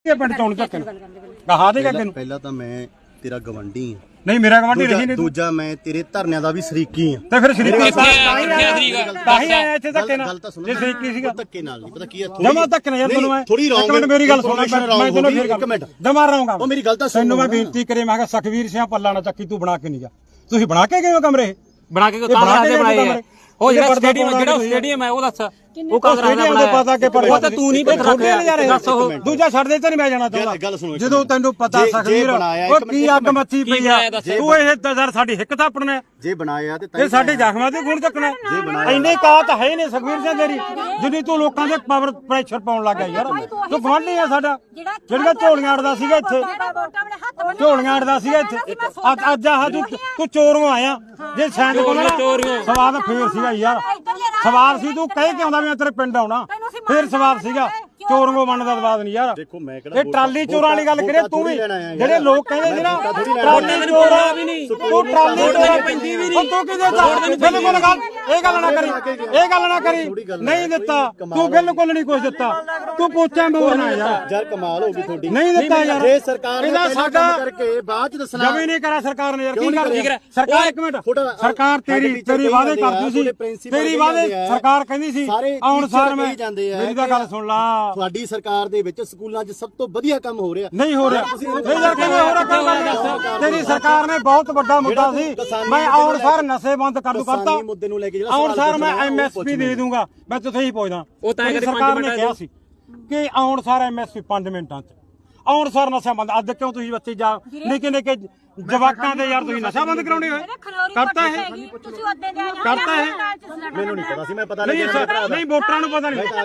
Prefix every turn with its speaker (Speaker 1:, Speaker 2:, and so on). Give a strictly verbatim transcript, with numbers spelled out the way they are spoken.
Speaker 1: ਪਿੰਡ ਚੋਂ ਤੱਕ ਕਹਾ ਦੇਗਾ ਤੈਨੂੰ
Speaker 2: ਪਹਿਲਾਂ ਤਾਂ ਮੈਂ ਤੇਰਾ ਗਵੰਡੀ ਆ
Speaker 1: ਨਹੀਂ ਮੇਰਾ ਗਵਾਂਢੀ ਰਹੀ ਨਹੀਂ
Speaker 2: ਦੂਜਾ ਮੈਂ ਤੇਰੇ ਧਰਨਿਆਂ ਦਾ ਵੀ ਸ਼ਰੀਕੀ ਆ
Speaker 1: ਤੇ ਫਿਰ ਸ਼ਰੀਕੀ ਤਾਂ ਹੀ ਆਇਆ ਇੱਥੇ ਧੱਕੇ ਨਾਲ
Speaker 2: ਗੱਲ ਤਾਂ ਸੁਣ
Speaker 1: ਜੇ ਸ਼ਰੀਕੀ ਸੀਗਾ
Speaker 2: ਧੱਕੇ ਨਾਲ ਨਹੀਂ ਪਤਾ ਕੀ ਆ
Speaker 1: ਜਮਾ ਧੱਕੇ ਨਾਲ ਯਾਰ ਤੈਨੂੰ ਮੈਂ
Speaker 2: ਥੋੜੀ
Speaker 1: ਇੱਕ ਮਿੰਟ ਮੇਰੀ ਗੱਲ ਸੁਣ ਮੈਂ ਤੈਨੂੰ ਫਿਰ
Speaker 2: ਇੱਕ ਮਿੰਟ
Speaker 1: ਜਮਾ ਰਹਾਂਗਾ
Speaker 2: ਉਹ ਮੇਰੀ ਗੱਲ ਤਾਂ ਸੁਣ
Speaker 1: ਤੈਨੂੰ ਮੈਂ ਬੇਨਤੀ ਕਰੇ ਮੈਂ ਕਿਹਾ ਸਖਵੀਰ ਸਿੰਘ ਪੱਲਾ ਨਾ ਚੱਕੀ ਤੂੰ ਬਣਾ ਕੇ ਨਹੀਂ ਗਿਆ ਤੁਸੀਂ ਬਣਾ ਕੇ ਗਏ ਹੋ ਕਮਰੇ
Speaker 3: ਬਣਾ ਕੇ ਕਾਂਗਰਸ ਦੇ ਬਣਾਏ ਆ ਉਹ ਜਿਹੜਾ ਸਟੇਡੀਅਮ ਜਿਹੜਾ ਸਟੇਡੀਅਮ ਹੈ ਉਹ ਦੱਸ ਉਹ ਕਾਂਗਰਸ ਦਾ ਬਣਾਇਆ
Speaker 1: ਪਤਾ ਕਿ ਪਰ
Speaker 3: ਉਹ ਤਾਂ ਤੂੰ ਨਹੀਂ ਪਤਾ ਦੱਸ ਉਹ
Speaker 1: ਦੂਜਾ ਛੱਡ ਦੇ ਤੇ ਨਹੀਂ ਮੈਂ ਜਾਣਾ ਚਾਹੁੰਦਾ ਜਦੋਂ ਤੈਨੂੰ ਪਤਾ ਸਖਵੀਰ ਉਹ ਕੀ ਅੱਗ ਮੱਚੀ ਪਈ ਆ ਤੂੰ ਇਹ ਦਜ਼ਰ ਸਾਡੀ ਹਿੱਕ ਥਾਪਣਾ
Speaker 2: ਜੇ ਬਣਾਇਆ ਤੇ
Speaker 1: ਇਹ ਸਾਡੇ ਜ਼ਖਮਾਂ ਤੇ ਗੁਣ ਚੱਕਣਾ ਇੰਨੇ ਕਾਤ ਹੈ ਨਹੀਂ ਸਖਵੀਰ ਸਿੰਘ ਤੇਰੀ ਜਿੰਨੀ ਤੂੰ ਲੋਕਾਂ ਦੇ ਪਾਵਰ ਪ੍ਰੈਸ਼ਰ ਪਾਉਣ ਲੱਗਾ ਯਾਰ ਤੂੰ ਗਵਾਂਢੀ ਆ ਸਾਡਾ ਜਿਹੜੀਆਂ ਝੋਲੀਆਂ ਅੜਦਾ ਸੀਗਾ ਇੱਥੇ ਝੋਲੀਆਂ ਅੜਦਾ ਸੀਗਾ ਇੱਥੇ ਅੱਜ ਅੱਜ ਆਹ ਤੂੰ ਚੋਰੋਂ ਆਇਆ ਜੇ ਸੈਂਡ ਕੋਲ ਸਵਾਦ ਫੇਰ ਸੀਗਾ ਯਾਰ ਸਵਾਲ ਸੀ ਤੂੰ ਕਹਿ ਕੇ ਆਉਂਦਾ ਵੀ ਮੈਂ ਤੇਰੇ ਪਿੰਡ ਆਉਣਾ ਫੇਰ ਸਵਾਲ ਸੀਗਾ ਚੋਰੋਂ ਬਣਨ ਦਾ ਸਵਾਦ ਨਹੀਂ ਯਾਰ
Speaker 2: ਦੇਖੋ ਮੈਂ ਕਿਹੜਾ
Speaker 1: ਇਹ ਟਰਾਲੀ ਚੋਰਾਂ ਵਾਲੀ ਗੱਲ ਕਰੇ ਤੂੰ ਵੀ ਜਿਹੜੇ ਲੋਕ ਕਹਿੰਦੇ ਸੀ ਨਾ ਟਰਾਲੀ ਚੋਰਾਂ ਵੀ ਨਹੀਂ ਤੂੰ ਟਰਾਲੀ ਚੋਰਾਂ ਪੈਂਦੀ ਵੀ ਨਹੀਂ ਤੂੰ ਕਿਹਦੇ ਦਾ ਬਿਲਕੁਲ ਗੱਲ ਇਹ ਗੱਲ ਨਾ ਕਰੀ ਇਹ ਗੱਲ ਨਾ ਕਰੀ ਨਹੀਂ ਦਿੱਤਾ ਤੂੰ ਬਿਲਕੁਲ ਨਹੀਂ ਕੁਝ ਦਿੱਤਾ ਤੂੰ ਪੋਚਾ ਮੋਰਨਾ ਯਾਰ
Speaker 2: ਯਾਰ ਕਮਾਲ ਹੋ ਗਈ ਤੁਹਾਡੀ
Speaker 1: ਨਹੀਂ ਦਿੱਤਾ ਯਾਰ
Speaker 2: ਜੇ ਸਰਕਾਰ ਨੇ
Speaker 1: ਇਹਦਾ ਸਾਡਾ
Speaker 2: ਕਰਕੇ ਬਾਅਦ ਚ ਦੱਸਣਾ
Speaker 1: ਜਮੀ ਨਹੀਂ ਕਰਾ ਸਰਕਾਰ ਨੇ ਯਾਰ ਕੀ ਕਰ ਸਰਕਾਰ ਇੱਕ ਮਿੰਟ ਸਰਕਾਰ ਤੇਰੀ ਤੇਰੀ ਵਾਅਦੇ ਕਰਦੀ ਸੀ ਤੇਰੀ ਵਾਅਦੇ ਸਰਕਾਰ ਕਹਿੰਦੀ ਸੀ ਆਉਣ ਸਾਰ ਮੈਂ ਮੇਰੀ ਤਾਂ ਗੱਲ ਸੁਣ ਲਾ
Speaker 2: ਤੁਹਾਡੀ ਸਰਕਾਰ ਦੇ ਵਿੱਚ ਸਕੂਲਾਂ 'ਚ ਸਭ ਤੋਂ ਵਧੀਆ ਕੰਮ ਹੋ ਰਿਹਾ
Speaker 1: ਨਹੀਂ ਹੋ ਰਿਹਾ ਨਹੀਂ ਯਾਰ ਕਿਵੇਂ ਹੋ ਰਿਹਾ ਕੰਮ ਤੇਰੀ ਸਰਕਾਰ ਨੇ ਬਹੁਤ ਵੱਡਾ ਮੁੱਦਾ ਸੀ ਮੈਂ ਆਉਣ ਸਾਰ ਨਸ਼ੇ ਬੰਦ ਕਰ ਦੂ ਕਰਤਾ
Speaker 2: ਮੁੱਦੇ ਨੂੰ ਲੈ ਕੇ ਜਿਹੜਾ
Speaker 1: ਆਉਣ ਸਾਰ ਮੈਂ ਐਮਐਸਪੀ ਦੇ ਦੂੰਗਾ ਮੈਂ ਤੁਥੇ ਹੀ ਪੁੱਛਦਾ
Speaker 3: ਉਹ ਤਾਂ
Speaker 1: ਸਰਕਾਰ ਨੇ ਕਿਹਾ ਸੀ ਕਿ ਆਉਣ ਸਾਰ ਐਮਐਸਪੀ ਪੰਜ ਮਿੰਟਾਂ 'ਚ ਆਉਣ ਸਾਰ ਨਸ਼ਾ ਬੰਦ ਅੱਜ ਕਿਉਂ ਤੁਸੀਂ ਬੱਚੇ ਜਾ ਨਿੱਕੇ ਨਿੱਕੇ ਜਵਾਕਾਂ ਦੇ ਯਾਰ ਤੁਸੀਂ ਨਸ਼ਾ ਬੰਦ ਕਰਾਉਣੇ ਹੋਏ ਕਰਤਾ ਹੈ ਕਰਤਾ ਹੈ
Speaker 2: ਮੈਨੂੰ ਨਹੀਂ ਪਤਾ ਸੀ ਮੈਂ ਪਤਾ
Speaker 1: ਨਹੀਂ ਨਹੀਂ ਵੋਟਰਾਂ ਨੂੰ ਪਤਾ ਨਹੀਂ